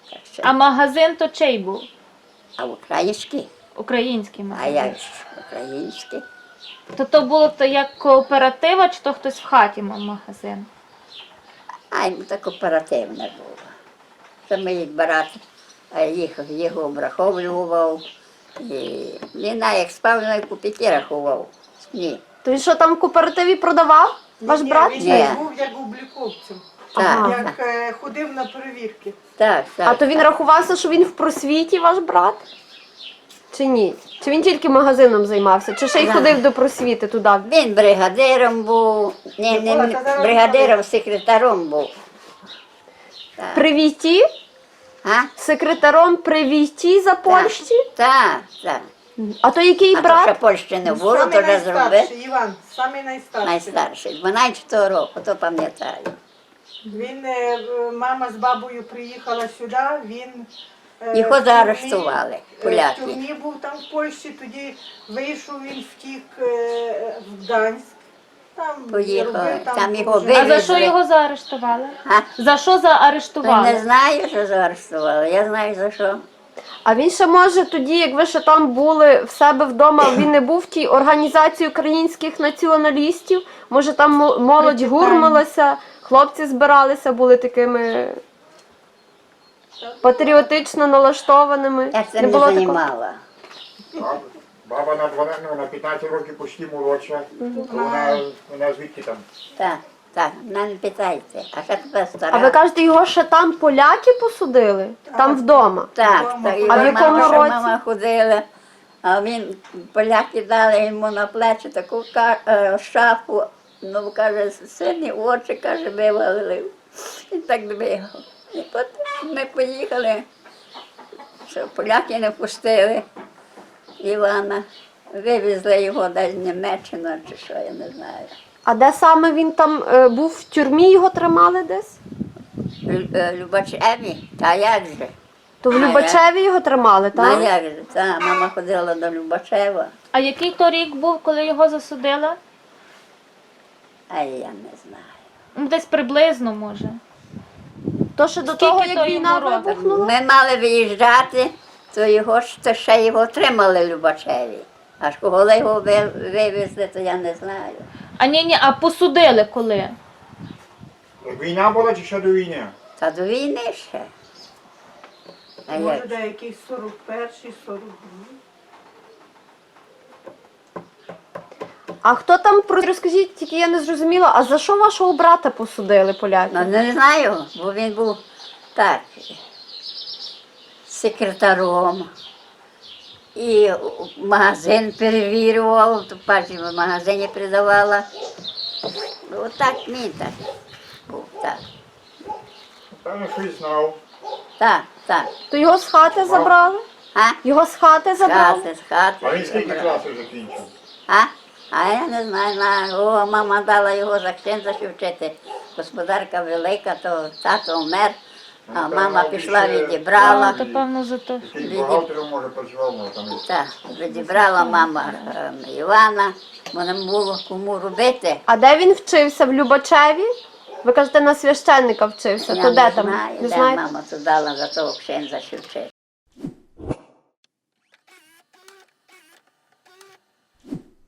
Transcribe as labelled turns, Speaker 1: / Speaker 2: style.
Speaker 1: Так що.
Speaker 2: А магазин то чий був?
Speaker 1: А український?
Speaker 2: Український
Speaker 1: А
Speaker 2: магазин.
Speaker 1: як ж український?
Speaker 2: То було то як кооператива, чи то хтось в хаті мав магазин?
Speaker 1: А йому так оперативне було. Це мій брат його обраховував. І він як спав, на купіки рахував. Ні.
Speaker 3: То він що там в кооперативі продавав? Ваш брат?
Speaker 4: Він
Speaker 1: Ні.
Speaker 4: був як обліковцем,
Speaker 1: Так,
Speaker 4: як ходив на перевірки.
Speaker 1: так, так.
Speaker 3: А то він рахувався, що він в просвіті, ваш брат? Чи ні? Чи він тільки магазином займався? Чи ще й
Speaker 1: Да.
Speaker 3: ходив до просвіти туди?
Speaker 1: Він бригадиром був, не бригадиром, секретаром був.
Speaker 3: При Війті?
Speaker 1: А?
Speaker 3: Секретаром при Війті за Польщі?
Speaker 1: Так, так.
Speaker 3: А то який
Speaker 1: А то ще
Speaker 3: брат?
Speaker 1: Польщі не було,
Speaker 4: Самий
Speaker 1: то вже зробив.
Speaker 4: найстарший, Іван, самий найстарший.
Speaker 1: Найстарший, 12 року, то пам'ятаю.
Speaker 4: Він, мама з бабою приїхала сюди, він
Speaker 1: Його
Speaker 4: в тюрмі-
Speaker 1: заарештували, поляки.
Speaker 4: В тюрмі був там в Польщі, тоді вийшов, він втік в Гданськ. Там
Speaker 1: Поїхав,
Speaker 4: робив,
Speaker 1: там його
Speaker 4: жив.
Speaker 2: А за
Speaker 1: вивезли.
Speaker 2: що його заарештували?
Speaker 1: А?
Speaker 2: За що
Speaker 1: Та
Speaker 2: заарештували?
Speaker 1: не знаю, що заарештували, я знаю за що.
Speaker 3: А він ще може тоді, як ви ще там були в себе вдома, він не був в тій організації українських націоналістів? Може там молодь гурмалася, хлопці збиралися, були такими патріотично налаштованими?
Speaker 1: Я цим не
Speaker 3: було такого?
Speaker 1: займала.
Speaker 5: Баба на 12, ну, на 15 років почти молодша, то вона звідки там?
Speaker 1: Так, так, мене не питайте. А ще тепер стара.
Speaker 3: А ви кажете, його ще там поляки посудили? Там вдома?
Speaker 1: Так, так.
Speaker 3: А в
Speaker 1: його
Speaker 3: якому
Speaker 1: мама,
Speaker 3: році?
Speaker 1: мама ходила, а він, поляки дали йому на плечі таку шапу, ну, каже, сині очі, каже, вивалив. І так двигав. І потім ми поїхали, що поляки не пустили Івана. Вивезли його десь в Німеччину, чи що, я не знаю.
Speaker 3: А де саме він там був в тюрмі, його тримали десь?
Speaker 1: Любачеві, та як же?
Speaker 3: То в Любачеві його тримали,
Speaker 1: Та
Speaker 3: так?
Speaker 1: як же? Та, мама ходила до Любачева,
Speaker 2: А який то рік був, коли його засудили?
Speaker 1: а я не знаю.
Speaker 2: Ну, десь приблизно, може.
Speaker 3: То ще до
Speaker 2: Скільки
Speaker 3: того,
Speaker 2: то
Speaker 3: як війна
Speaker 2: йому років?
Speaker 3: вибухнула?
Speaker 1: Ми мали виїжджати, то ще його тримали Любачеві. Аж коли його вивезли, то я не знаю.
Speaker 2: А ні, а посудили коли?
Speaker 5: Як війна була чи ще до війни?
Speaker 1: Та до війни ще. А
Speaker 4: Може,
Speaker 1: як?
Speaker 4: деякий 41-й, 42-й.
Speaker 3: А хто там, розкажіть, тільки я не зрозуміла, а за що вашого брата посудили поляки?
Speaker 1: Ну, не знаю, бо він був так, секретаром. І магазин перевірював, то паче в магазині придавала. Отак він так був, так.
Speaker 5: Певно, щось знав.
Speaker 1: Так, так.
Speaker 3: То його з хати забрали?
Speaker 1: А?
Speaker 3: Його з хати
Speaker 1: З
Speaker 3: забрали?
Speaker 1: хати, з хати.
Speaker 5: А він скільки
Speaker 1: забрали.
Speaker 5: класів закінчив?
Speaker 1: А я не знаю, о, мама дала його за ксенза ще вчити. Господарка велика, то тато вмер, а мама пішла, відібрала.
Speaker 2: То певно за то.
Speaker 5: Який бухгалтером, може, працював, може, там.
Speaker 1: Так, відібрала мама Івана, бо не було кому робити.
Speaker 3: А де він вчився? В Любачеві? Ви кажете, на священника вчився.
Speaker 1: Я
Speaker 3: То де
Speaker 1: не
Speaker 3: там?
Speaker 1: знаю,
Speaker 3: Не
Speaker 1: де
Speaker 3: знаєте?
Speaker 1: мама то дала за того ксенза ще вчити.